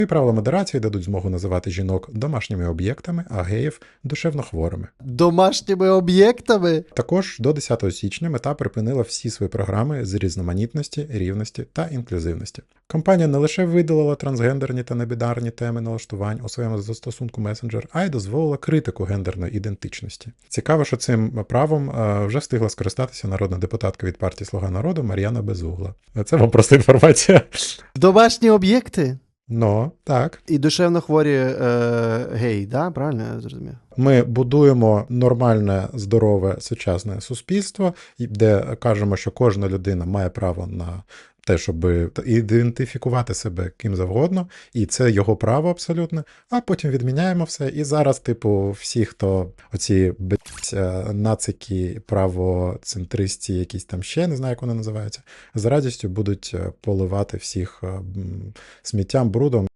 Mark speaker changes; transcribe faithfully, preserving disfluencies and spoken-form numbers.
Speaker 1: І правила модерації дадуть змогу називати жінок домашніми об'єктами, а геїв – душевно хворими.
Speaker 2: Домашніми об'єктами?
Speaker 1: Також до десятого січня Мета припинила всі свої програми з різноманітності, рівності та інклюзивності. Компанія не лише видалила трансгендерні та небінарні теми налаштувань у своєму застосунку Messenger, а й дозволила критику гендерної ідентичності. Цікаво, що цим правом вже встигла скористатися народна депутатка від партії «Слуга народу» Мар'яна Безугла. Це вам просто інформація.
Speaker 2: Домашні об'єкти?
Speaker 1: Ну, так.
Speaker 2: І душевно хворі е, геї, да? Правильно я зрозумів?
Speaker 1: Ми будуємо нормальне, здорове, сучасне суспільство, де кажемо, що кожна людина має право на те, щоб ідентифікувати себе ким завгодно, і це його право абсолютне, а потім відміняємо все. І зараз, типу, всі, хто оці блядь, нацики, правоцентристі, якісь там ще, не знаю, як вони називаються, з радістю будуть поливати всіх сміттям, брудом.